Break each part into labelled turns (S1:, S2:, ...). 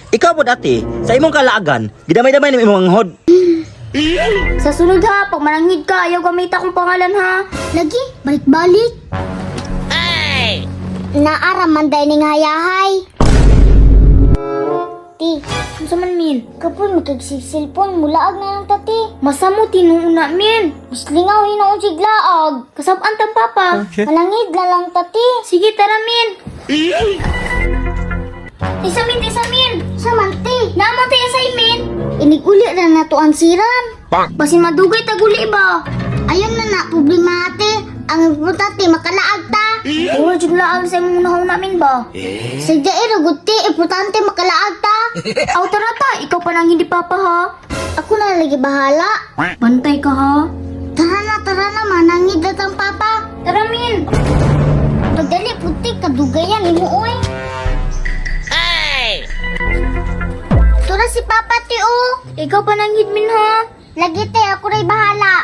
S1: Ikaw po dati, sa imong kalaagan, gidamay-damay ng imong anghod.
S2: Sa sunod ha, pag manangid ka, ayaw gamit akong pangalan ha.
S3: Lagi, balik-balik. Naaraman day ning hayahay. Ti,
S2: Ano man min?
S3: kapon magkagsilpon, mulaag na lang tati.
S2: Masamo tinuuna min.
S3: Mas lingaw hinoon siglaag.
S2: Kasabaan tang papa.
S3: Malangid na lang tati.
S2: Sige, tara min. Isamin, isamin.
S3: Samanti,
S2: Namatay assignment.
S3: iniguli na nato ang siran.
S2: Basin madugay taguli ba?
S3: Ayun na problema ate. Ang importante makalaag ta.
S2: Puro jud laang sa imong unahon namin ba?
S3: Sadya iraguti, importante makalaag ta.
S2: Aw tara ta, ikaw pa nang hindi papa ha.
S3: Ako na lagi bahala.
S2: Bantay ka ha.
S3: Tara na, manangid na tang papa.
S2: Tara min.
S3: Pagdali putik, kadugayan, imuoy. Tura si papa ti o.
S2: Ikaw pa nang min ha.
S3: Lagi te, ako rin bahala.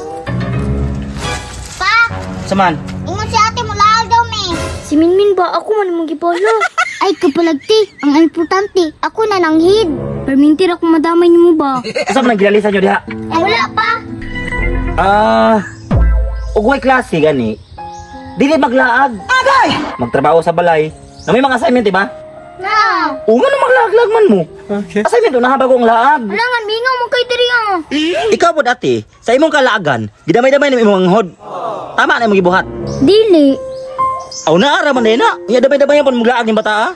S3: Pa,
S1: Saman,
S3: ingon si ate mo laag daw me.
S2: Si Minmin ba? Ako man mong gipolo.
S3: Ay kapalagti, ang importante, ako na nanghid.
S2: Permintir ako madamay niyo mo ba?
S1: asa man ang ginalisan nyo diha?
S3: Ay wala pa.
S1: Ugway klase gani. Dili maglaag. Agay! Magtrabaho sa balay. Na may mga assignment, diba?
S3: Na.
S1: O nga na maglaag-lag man mo. Assignment, unahan bago ang laag.
S2: Langan, mingaw mo kay diri ah.
S1: Ikaw po dati, sa imong kalaagan, gidamay-damay ng imong anghod. Tama na imong gibuhat.
S2: Dili.
S1: Aw naara man na. Iya damay-damay pon muglaag ni bata.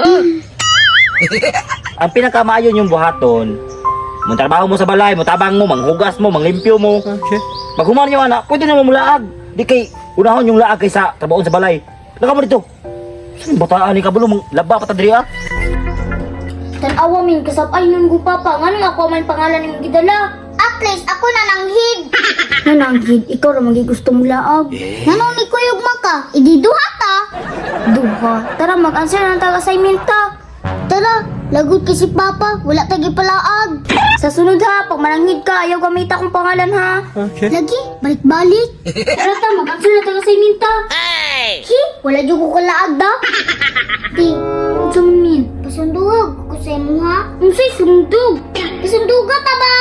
S1: Ang pinakamaayo yung buhaton. Mong trabaho mo sa balay, mo tabang mo, manghugas mo, manglimpyo mo. Pag human yung anak, pwede na mo mulaag. Di kay unahon yung laag kaysa trabaho sa balay. Laka mo dito. Saan bataan ni kabulo mong laba pa ta diri ah?
S2: Tanawa min kasabay nun ko papa. Nganong ako man pangalan nimong gidala?
S3: At least ako na nanghid.
S2: Nananggid, ikaw ra magi gusto mo laag.
S3: Nanong ni kuyog maka, ididuha ta.
S2: Duha. Tara mag-answer na tag assignment ta.
S3: Tara, lagot kay si papa, wala tagi palaag.
S2: Sa sunod ha, pag manangid ka, ayaw gamit akong pangalan ha.
S3: Lagi, balik-balik.
S2: Tara ta, mag-answer na tag assignment ta.
S3: Hi, wala dyan ko kalaag da. Di,
S2: Unsa man min?
S3: pasunduhag ko sa imo ha.
S2: Unsay sundog?
S3: Pasunduga ta ba?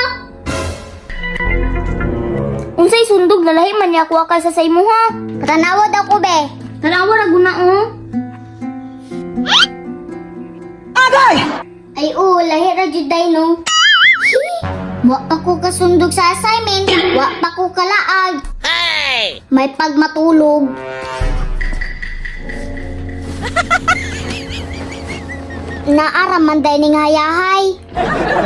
S2: Unsay sundog lalahi man niya ako akay sa imo ha.
S3: Patanawad ako be.
S2: Tanawa ra guna oh.
S3: Ay oo, lahi ra jud day no. Hi, wa pa ko kasundog sa assignment, wa pa ko kalaag. May pagmatulog. Naaraman day ning hayahay.